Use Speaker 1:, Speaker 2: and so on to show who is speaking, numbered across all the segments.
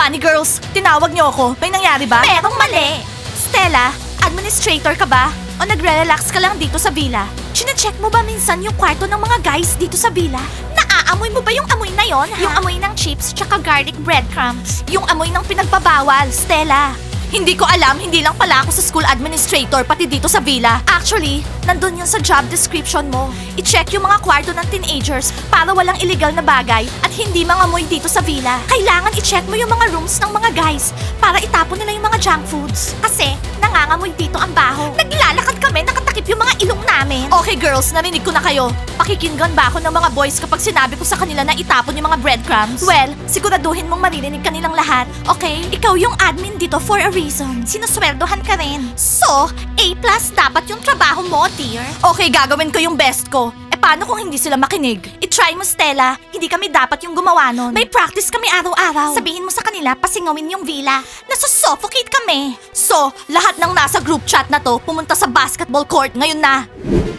Speaker 1: Bunny girls, tinawag niyo ako. May nangyari ba? Merong mali. Stella, administrator ka ba? O nagre-relax ka lang dito sa villa? Chine-check mo ba minsan yung kwarto ng mga guys dito sa villa? Naaamoy mo ba yung amoy na yon? Yung amoy ng chips tsaka garlic breadcrumbs. Yung amoy ng pinagbabawal, Stella. Hindi ko alam, hindi lang pala ako sa school administrator pati dito sa villa. Actually, nandun yun sa job description mo. I-check yung mga kwarto ng teenagers para walang illegal na bagay at hindi mangamoy dito sa villa. Kailangan i-check mo yung mga rooms ng mga guys para itapon nila yung mga junk foods. Kasi nangangamoy dito ang baho. Naglalakad kami, nakatakip yung mga ilong namin. Okay girls, narinig ko na kayo. Pakikinggan ba ako ng mga boys kapag sinabi ko sa kanila na itapon yung mga breadcrumbs? Well, siguraduhin mong maririnig kanilang lahat. Okay? Ikaw yung admin dito for a reason. Sinusweldohan ka rin. So, A+ dapat yung trabaho mo, dear. Okay, gagawin ko yung best ko. E paano kung hindi sila makinig? I-try mo, Stella. Hindi kami dapat yung gumawa nun. May practice kami araw-araw. Sabihin mo sa kanila, pasingawin yung villa. Nasusuffocate kami. So, lahat ng nasa group chat na to, pumunta sa basketball court ngayon na.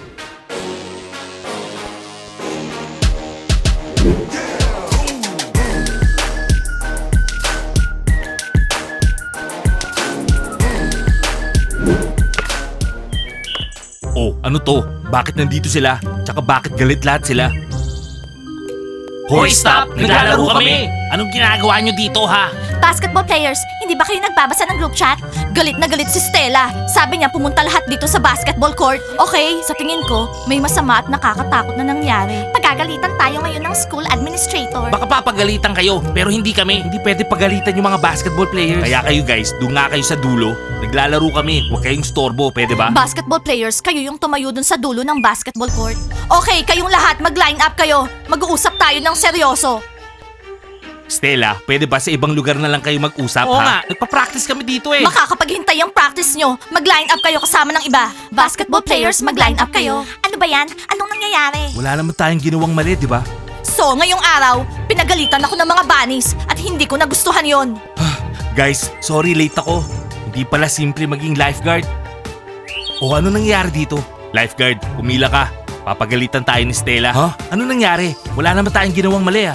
Speaker 2: Oh, ano to? Bakit nandito sila? Tsaka bakit galit lahat sila?
Speaker 3: Hoy, stop! Naglalaro kami! Anong ginagawa nyo dito, ha?
Speaker 1: Basketball players, hindi ba kayo nagbabasa ng group chat? Galit na galit si Stella. Sabi niya pumunta lahat dito sa basketball court. Okay, sa tingin ko, may masama at nakakatakot na nangyari. Pagagalitan tayo ngayon ng school administrator.
Speaker 3: Baka papagalitan kayo, pero hindi kami.
Speaker 2: Hindi pwede pagalitan yung mga basketball players. Kaya kayo guys, doon nga kayo sa dulo. Naglalaro kami. Huwag kayong storbo, pwede ba?
Speaker 1: Basketball players, kayo yung tumayo dun sa dulo ng basketball court. Okay, kayong lahat mag-line up kayo. Mag-uusap tayo ng seryoso.
Speaker 2: Stella, pwede ba sa ibang lugar na lang kayo mag-usap,
Speaker 3: Oo
Speaker 2: ha?
Speaker 3: nga, nagpa-practice kami dito eh.
Speaker 1: Makakapaghintay ang practice nyo. Mag-line up kayo kasama ng iba. Basketball players, mag-line up kayo. Ano ba yan? Anong nangyayari?
Speaker 2: Wala naman tayong ginawang mali, di ba?
Speaker 1: So, ngayong araw, pinagalitan ako ng mga bunnies at hindi ko nagustuhan yon.
Speaker 2: Guys, sorry late ako. Hindi pala simple maging lifeguard. O ano nangyari dito? Lifeguard, pumila ka. Papagalitan tayo ni Stella. Ha? Ano nangyari? Wala naman tayong ginawang mali,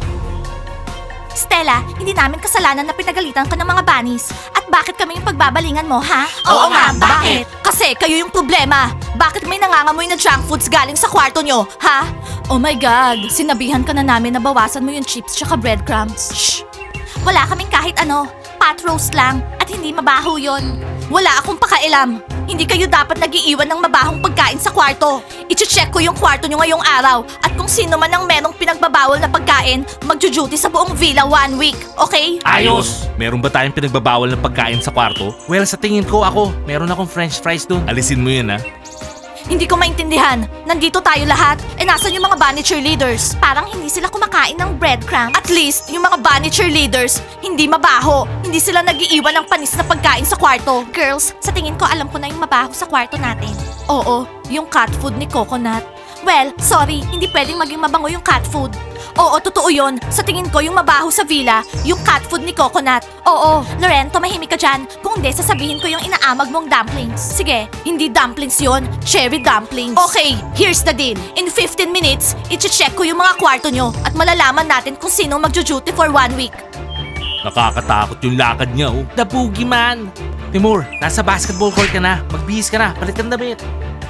Speaker 1: Stella, hindi namin kasalanan na pinagalitan ka ng mga bunnies. At bakit kami yung pagbabalingan mo, ha?
Speaker 3: Oo nga, bakit?
Speaker 1: Kasi kayo yung problema. Bakit may nangangamoy na junk foods galing sa kwarto nyo, ha? Oh my God, sinabihan ka na namin na bawasan mo yung chips tsaka breadcrumbs. Shh! Wala kaming kahit ano. Pot roast lang at hindi mabaho yon. Wala akong pakailam. Hindi kayo dapat nag-iiwan ng mabahong pagkain sa kwarto. I-check ko yung kwarto nyo ngayong araw at kung sino man ang merong pinagbabawal na pagkain, magjo-duty sa buong villa 1 week, okay?
Speaker 3: Ayos!
Speaker 2: Meron ba tayong pinagbabawal na pagkain sa kwarto? Well, sa tingin ko ako, meron akong french fries doon. Alisin mo yun, ha?
Speaker 1: Hindi ko maintindihan. Nandito tayo lahat. E nasan yung mga bunny cheerleaders? Parang hindi sila kumakain ng breadcrumbs. At least, yung mga bunny cheerleaders, hindi mabaho. Hindi sila nag-iiwan ng panis na pagkain sa kwarto. Girls, sa tingin ko alam ko na yung mabaho sa kwarto natin. Oo, yung cat food ni Coconut. Well, sorry, hindi pwedeng maging mabango yung cat food. Oo, totoo yun. Sa tingin ko, yung mabaho sa villa, yung cat food ni Coconut. Oo, Loren, tumahimik ka dyan. Kung hindi, sasabihin ko yung inaamag mong dumplings. Sige, hindi dumplings yon, cherry dumplings. Okay, here's the deal. In 15 minutes, i-check ko yung mga kwarto nyo at malalaman natin kung sinong magjo-duty for 1 week.
Speaker 2: Nakakatakot yung lakad niya, oh.
Speaker 3: The boogeyman!
Speaker 2: Timur, nasa basketball court ka na. Magbihis ka na. Palit ka ng damit.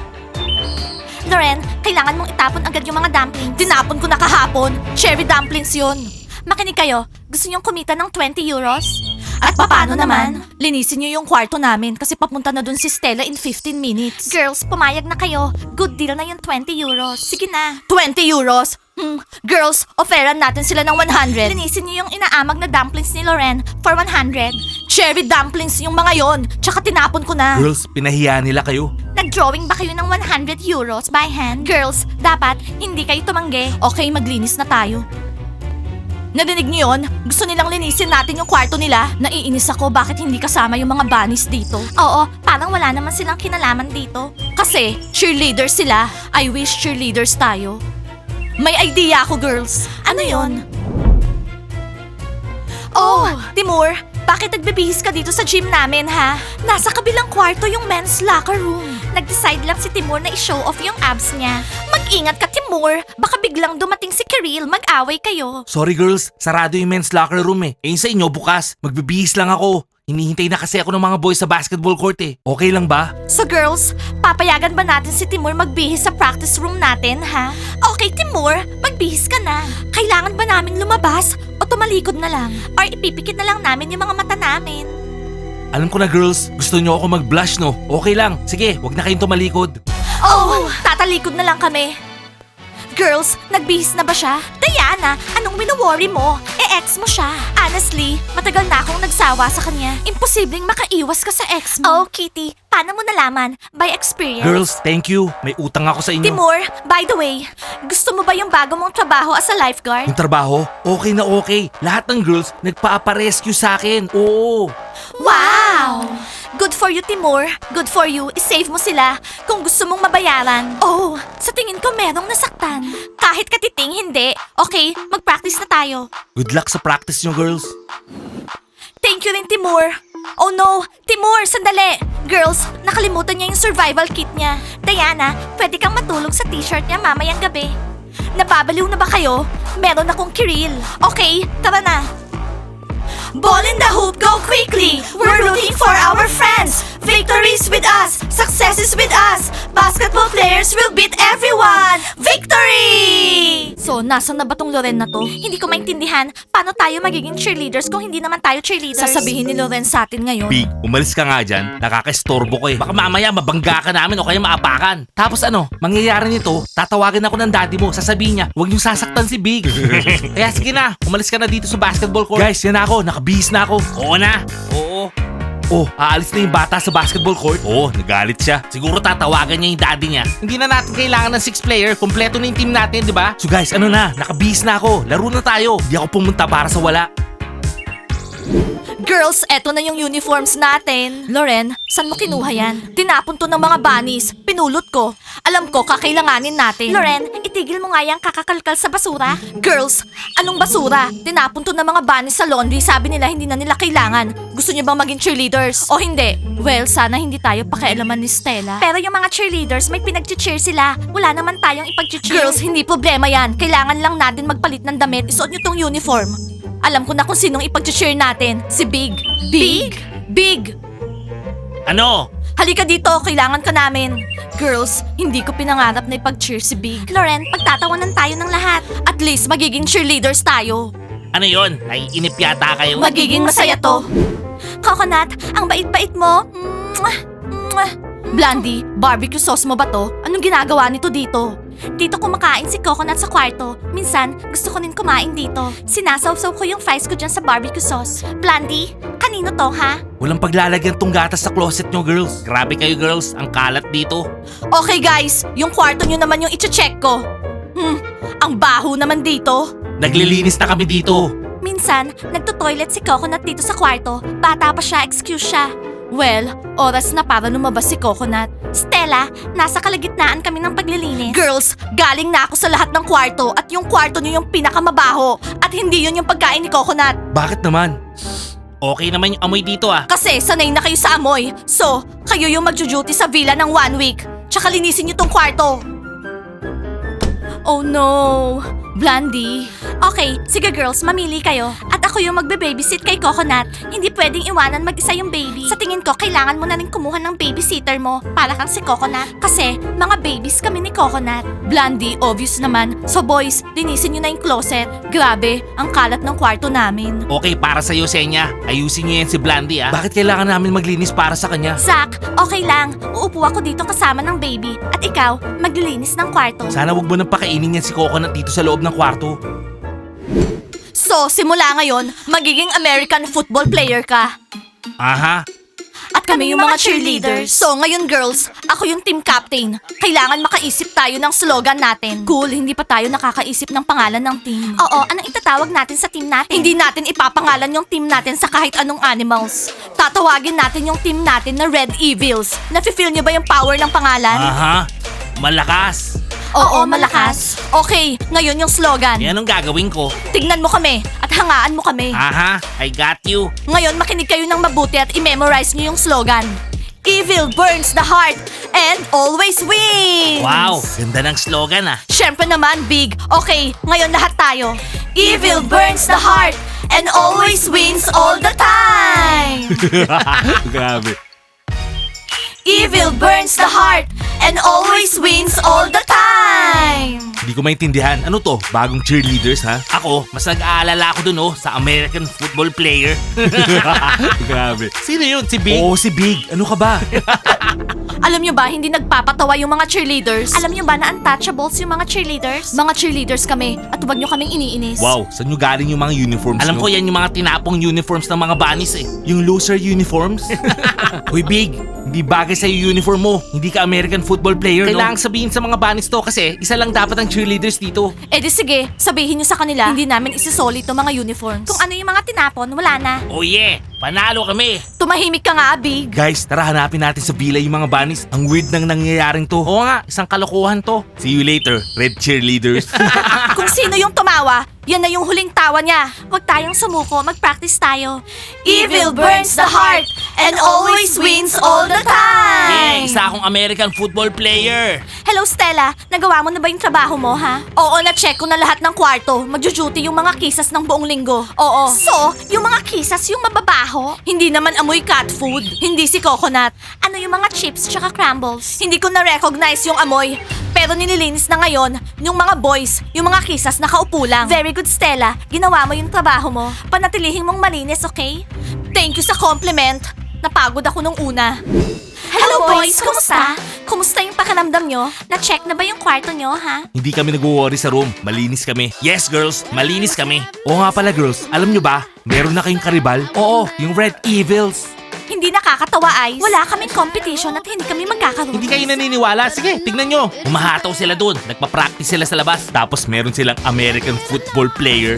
Speaker 1: Loren, kailangan mong itapon agad yung mga dumplings. Tinapon ko na kahapon. Cherry dumplings yun. Makinig kayo, gusto niyong kumita ng 20 euros? At paano naman? Linisin niyo yung kwarto namin kasi papunta na dun si Stella in 15 minutes. Girls, pumayag na kayo. Good deal na yung 20 euros. Sige na. 20 euros? Girls, offeran natin sila ng 100. Linisin niyo yung inaamag na dumplings ni Loren for 100. Cherry dumplings yung mga yon. Tsaka tinapon ko na.
Speaker 2: Girls, pinahiya nila kayo.
Speaker 1: Nag-drawing ba kayo ng 100 euros by hand? Girls, dapat hindi kayo tumanggi. Okay, maglinis na tayo. Narinig niyo yun? Gusto nilang linisin natin yung kwarto nila. Naiinis ako bakit hindi kasama yung mga bunnies dito. Oo, parang wala naman silang kinalaman dito. Kasi, cheerleaders sila. I wish cheerleaders tayo. May idea ako, girls. Ano yon? Oh, Timur, bakit nagbibihis ka dito sa gym namin, ha? Nasa kabilang kwarto yung men's locker room. Nag-decide lang si Timur na i-show off yung abs niya. Mag-ingat ka, Timur. Timur, baka biglang dumating si Kiril, mag-away kayo.
Speaker 2: Sorry girls, sarado yung men's locker room eh. Eh yung sa inyo bukas, magbibihis lang ako. Hinihintay na kasi ako ng mga boys sa basketball court eh. Okay lang ba?
Speaker 1: So girls, papayagan ba natin si Timur magbihis sa practice room natin, ha? Okay, Timur, magbihis ka na. Kailangan ba naming lumabas o tumalikod na lang? Or ipipikit na lang namin yung mga mata namin?
Speaker 2: Alam ko na girls, gusto nyo ako mag-blush no? Okay lang, sige, wag na kayong tumalikod.
Speaker 1: Oh, tatalikod na lang kami. Girls, nagbihis na ba siya? Diana, anong wino-worry mo? Ex mo siya. Honestly, matagal na akong nagsawa sa kanya. Imposibleng makaiwas ka sa ex mo. Oh, Kitty, paano mo nalaman? By experience.
Speaker 2: Girls, thank you. May utang ako sa inyo.
Speaker 1: Timur, by the way, gusto mo ba yung bago mong trabaho as a lifeguard?
Speaker 2: Yung trabaho, okay na okay. Lahat ng girls nagpa-rescue sa akin. Oo.
Speaker 1: Wow! Good for you, Timur. Good for you. I-save mo sila kung gusto mong mabayaran. Oh, sa tingin ko merong nasaktan. Kahit katiting, hindi. Okay, mag-practice na tayo.
Speaker 2: Good luck sa practice nyo girls.
Speaker 1: Thank you rin, Timur. Oh no! Timur, sandali! Girls, nakalimutan niya yung survival kit niya. Diana, pwede kang matulog sa t-shirt niya mamayang gabi. Nababaliw na ba kayo? Meron akong Kiril. Okay, tara na. Ball in the hoop, go quickly! We're rooting for our friends! Victories with us! Successes with us! Basketball players will beat everyone! Victory! So, nasan na ba tong Loren na to? Hindi ko maintindihan paano tayo magiging cheerleaders kung hindi naman tayo cheerleaders. Sasabihin ni Loren sa atin ngayon.
Speaker 2: Big, umalis ka nga dyan. Nakaka-estorbo ko eh. Baka mamaya mabangga ka namin o kaya maapakan. Tapos ano, mangyayari nito, tatawagan ako ng daddy mo. Sasabihin niya, huwag niyong sasaktan si Big. Kaya sige na, umalis ka na dito sa basketball court. Guys, yan na ako. Nakabihis na ako.
Speaker 3: Oo na. Oo.
Speaker 2: Oh, aalis na yung bata sa basketball court. Oh, nagalit siya.
Speaker 3: Siguro tatawagan niya yung daddy niya.
Speaker 2: Hindi na natin kailangan ng 6 player. Kompleto na yung team natin, di ba? So guys, ano na? Nakabihis na ako. Laro na tayo. Hindi ako pumunta para sa wala.
Speaker 1: Girls, eto na yung uniforms natin. Loren, saan mo kinuha yan? Tinapon to ng mga bunnies. Pinulot ko. Alam ko, kakailanganin natin. Loren, itigil mo nga yung kakakalkal sa basura. Girls, anong basura? Tinapon to ng mga bunnies sa laundry. Sabi nila hindi na nila kailangan. Gusto niyo bang maging cheerleaders? O hindi? Well, sana hindi tayo pakialaman ni Stella. Pero yung mga cheerleaders, may pinag-cheer sila. Wala naman tayong ipag-cheer. Girls, hindi problema yan. Kailangan lang natin magpalit ng damit. Isuot niyo tong uniform. Alam ko na kung sinong ipag-cheer natin. Si Big. Big? Big!
Speaker 3: Ano?
Speaker 1: Halika dito, kailangan ka namin. Girls, hindi ko pinangarap na ipag-cheer si Big. Loren, pagtatawanan tayo ng lahat. At least magiging cheerleaders tayo.
Speaker 3: Ano yon? Naiinip yata kayo.
Speaker 1: Magiging masaya to. Coconut, ang bait-bait mo. Mwah! Mwah! Blondie, barbecue sauce mo ba to? Anong ginagawa nito dito? Dito kumakain si Coconut sa kwarto. Minsan, gusto ko rin kumain dito. Sinasawsaw ko yung fries ko dyan sa barbecue sauce. Blondie, kanino to ha?
Speaker 2: Walang paglalagyan tong gatas sa closet nyo, girls.
Speaker 3: Grabe kayo girls, ang kalat dito.
Speaker 1: Okay guys, yung kwarto nyo naman yung iche-check ko. Ang baho naman dito.
Speaker 2: Naglilinis na kami dito.
Speaker 1: Minsan, nagto-toilet si Coconut dito sa kwarto. Bata pa siya, excuse siya. Well, oras na para lumabas si Coconut. Stella, nasa kalagitnaan kami ng paglilinis. Girls, galing na ako sa lahat ng kwarto at yung kwarto niyo yung pinakamabaho at hindi yun yung pagkain ni Coconut.
Speaker 2: Bakit naman?
Speaker 3: Okay naman yung amoy dito ah.
Speaker 1: Kasi sanay na kayo sa amoy. So, kayo yung magjo-duty sa villa ng 1 week. Tsaka linisin niyo tong kwarto. Oh no, Blondie. Okay, sige girls, mamili kayo. At ako yung magbe-babysit kay Coconut. Hindi pwedeng iwanan mag-isa yung baby. Sa tingin ko, kailangan mo na rin kumuha ng babysitter mo para kang si Coconut. Kasi, mga babies kami ni Coconut. Blondie, obvious naman. So boys, linisin nyo na yung closet. Grabe, ang kalat ng kwarto namin.
Speaker 3: Okay, para sa'yo, Senya. Ayusin niyo yan si Blandy ah.
Speaker 2: Bakit kailangan namin maglinis para sa kanya?
Speaker 1: Zach, okay lang. Uupo ako dito kasama ng baby. At ikaw, maglilinis ng kwarto.
Speaker 2: Sana wag mo nang pakainin yan si Coconut dito sa loob ng kwarto.
Speaker 1: So, simula ngayon, magiging American football player ka.
Speaker 2: Aha.
Speaker 1: At kami yung mga cheerleaders. So, ngayon girls, ako yung team captain. Kailangan makaisip tayo ng slogan natin. Cool, hindi pa tayo nakakaisip ng pangalan ng team. Oo, anong itatawag natin sa team natin? Hindi natin ipapangalan yung team natin sa kahit anong animals. Tatawagin natin yung team natin na Red Evils. Nafe-feel niyo ba yung power ng pangalan?
Speaker 3: Aha. Malakas.
Speaker 1: Oo, malakas. Okay, ngayon yung slogan.
Speaker 3: Yan ang gagawin ko.
Speaker 1: Tignan mo kami at hangaan mo kami.
Speaker 3: Aha, I got you.
Speaker 1: Ngayon makinig kayo ng mabuti at i-memorize niyo yung slogan. Evil burns the heart and always wins!
Speaker 3: Wow, ganda ng slogan ah.
Speaker 1: Siyempre naman, Big. Okay, ngayon lahat tayo. Evil burns the heart and always wins all the time!
Speaker 2: Grabe.
Speaker 1: Evil burns the heart and always wins all the time!
Speaker 2: Hindi ko maintindihan. Ano to? Bagong cheerleaders, ha?
Speaker 3: Ako, mas nag-aalala ako dun sa American football player.
Speaker 2: Grabe.
Speaker 3: Sino yun? Si Big?
Speaker 2: Oo, si Big. Ano ka ba?
Speaker 1: Alam nyo ba, hindi nagpapatawa yung mga cheerleaders? Alam nyo ba na untouchables yung mga cheerleaders? Mga cheerleaders kami at huwag nyo kaming iniinis.
Speaker 2: Wow, saan nyo galing yung mga uniforms
Speaker 3: Alam
Speaker 2: nyo?
Speaker 3: ko yan yung mga tinapong uniforms ng mga bunnies eh.
Speaker 2: Yung loser uniforms? Uy, Big. Hindi bagay sa uniform mo. Hindi ka American football player,
Speaker 3: Kailangang
Speaker 2: no?
Speaker 3: sabihin sa mga bunnies to kasi isa lang dapat ang cheerleaders dito.
Speaker 1: Eh di sige, sabihin nyo sa kanila, hindi namin isisoli itong mga uniforms. Kung ano yung mga tinapon, wala na.
Speaker 3: Oh yeah, panalo kami.
Speaker 1: Tumahimik ka nga, Big.
Speaker 2: Guys, tara hanapin natin sa villa yung mga bunnies. Ang weird nang nangyayaring to.
Speaker 3: Oo nga, isang kalokohan to.
Speaker 2: See you later, red cheerleaders.
Speaker 1: Kung sino yung tumawa, yan na yung huling tawa niya. Huwag tayong sumuko, mag-practice tayo. Evil burns the heart and always wins all the
Speaker 3: Yeah,
Speaker 1: time.
Speaker 3: isa akong American football player.
Speaker 1: Hello, Stella. Nagawa mo na ba yung trabaho mo, ha? Oo, na-check ko na lahat ng kwarto. Magjo-duty yung mga kisas ng buong linggo. Oo. So, yung mga kisas yung mababaho? Hindi naman amoy cat food. Hindi si Coconut. Ano yung mga chips tsaka crumbles? Hindi ko na-recognize yung amoy. Pero nililinis na ngayon yung mga boys, yung mga kisas nakaupo lang. Very good, Stella. Ginawa mo yung trabaho mo. Panatilihin mong malinis, okay? Thank you sa compliment. Napagod ako nung una. Hello, boys! Kumusta? Kumusta yung pakiramdam nyo? Na-check na ba yung kwarto nyo, ha?
Speaker 2: Hindi kami nag-worry sa room. Malinis kami.
Speaker 3: Yes girls, malinis kami.
Speaker 2: Oo nga pala girls, alam nyo ba? Meron na kayong karibal? Oo, yung Red Evils.
Speaker 1: Hindi nakakatawa, Ice. Wala kaming competition at hindi kami magkakaroon.
Speaker 3: Hindi kayo naniniwala? Sige, tignan nyo. Umahataw sila dun. Nagpa-practice sila sa labas.
Speaker 2: Tapos meron silang American football player.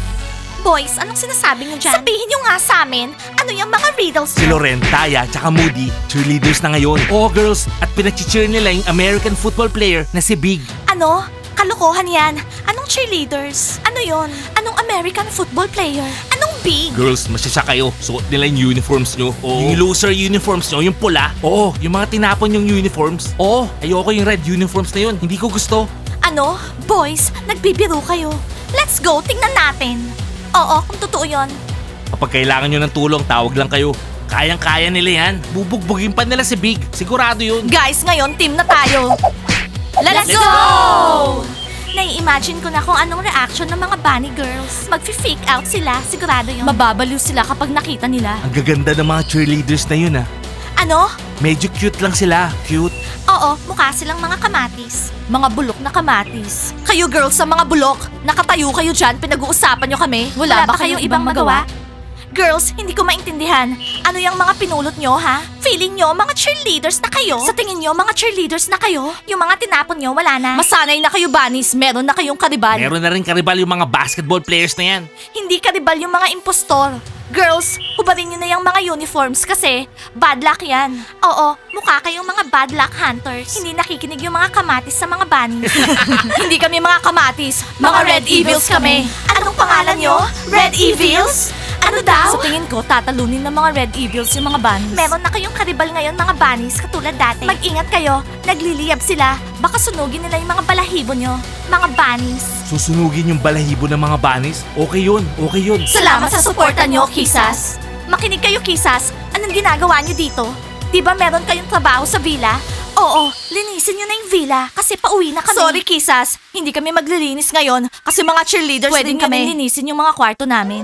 Speaker 1: Boys, anong sinasabi nyo dyan? Sabihin nyo nga sa amin, ano yung mga riddles
Speaker 2: Si Loren, Taya, tsaka Moody, cheerleaders na ngayon. Oo girls, at pinachicheer nila yung American football player na si Big.
Speaker 1: Ano? Kalokohan yan. Anong cheerleaders? Ano yon? Anong American football player? Anong big?
Speaker 2: Girls, masyasya kayo. Suot nila yung uniforms nyo.
Speaker 3: Oo. Yung loser uniforms nyo, yung pula.
Speaker 2: Oo, yung mga tinapon yung uniforms. Oo, ayoko yung red uniforms na yun. Hindi ko gusto.
Speaker 1: Ano? Boys, nagbibiro kayo. Let's go, tingnan natin. Oo, kung totoo yon.
Speaker 2: Kapag kailangan nyo ng tulong, tawag lang kayo.
Speaker 3: Kayang-kaya nila yan. Bubugbugin pa nila si Big. Sigurado yun.
Speaker 1: Guys, ngayon team na tayo. Let's
Speaker 3: Let's
Speaker 1: go! Nai-imagine ko na kung anong reaction ng mga bunny girls. Mag-fake out sila, sigurado yun. Mababaliw sila kapag nakita nila.
Speaker 2: Ang gaganda ng mga cheerleaders na yun ah.
Speaker 1: Ano?
Speaker 2: Medyo cute lang sila. Cute.
Speaker 1: Oo, mukha silang mga kamatis. Mga bulok na kamatis. Kayo girls sa mga bulok, nakatayo kayo dyan, pinag-uusapan nyo kami. Wala ba kayong ibang magawa? Girls, hindi ko maintindihan. Ano yung mga pinulot nyo, ha? Feeling nyo, mga cheerleaders na kayo? Sa tingin nyo, mga cheerleaders na kayo? Yung mga tinapon nyo, wala na. Masanay na kayo, bunnies. Meron na kayong karibal.
Speaker 3: Meron na rin karibal yung mga basketball players na yan.
Speaker 1: Hindi karibal yung mga impostor. Girls, hubarin nyo na yung mga uniforms kasi bad luck yan. Oo, mukha kayong mga bad luck hunters. Hindi nakikinig yung mga kamatis sa mga bunnies. Hindi kami mga kamatis, mga Red Evils kami. Anong pangalan nyo? Red Evils? Ano daw? Sa tingin ko, tatalunin ng mga Red Evils yung mga bunnies. Meron na kayong karibal ngayon mga bunnies katulad dati. Mag-ingat kayo, nagliliyab sila. Baka sunugin nila yung mga balahibo nyo. Mga bunnies.
Speaker 2: Susunugin yung balahibo ng mga bunnies? Okay yun, okay yun.
Speaker 1: Salamat sa suporta nyo, Kisas. Makinig kayo, Kisas. Anong ginagawa nyo dito? Di ba meron kayong trabaho sa villa? Oo, linisin nyo na yung villa kasi pauwi na kami. Sorry, Kisas. Hindi kami maglilinis ngayon kasi mga cheerleaders din kami. Linisin yung mga kwarto namin.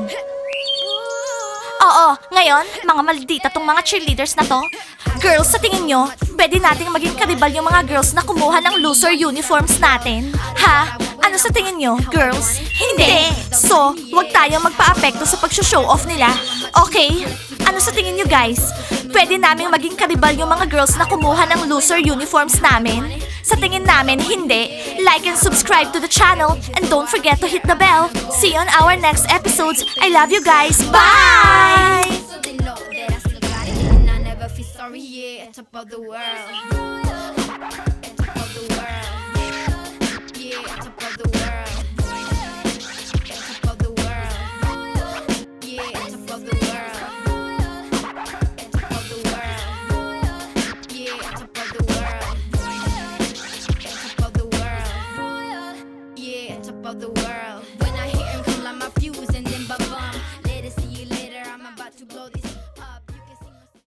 Speaker 1: Oo, ngayon, mga maldita tong mga cheerleaders na to. Girls, sa tingin nyo, pwede nating maging karibal yung mga girls na kumuha ng loser uniforms natin? Ha? Ano sa tingin nyo, girls? Hindi. So, wag tayong magpa-apekto sa pag-show off nila. Okay? Ano sa tingin nyo, guys? Pwede naming maging karibal yung mga girls na kumuha ng loser uniforms namin? Sa tingin namin, hindi. Like and subscribe to the channel and don't forget to hit the bell. See you on our next episodes. I love you guys. Bye!
Speaker 4: So they know that I still got it and I never feel sorry, yeah, top of the world. Top of the world. Yeah, top of the world.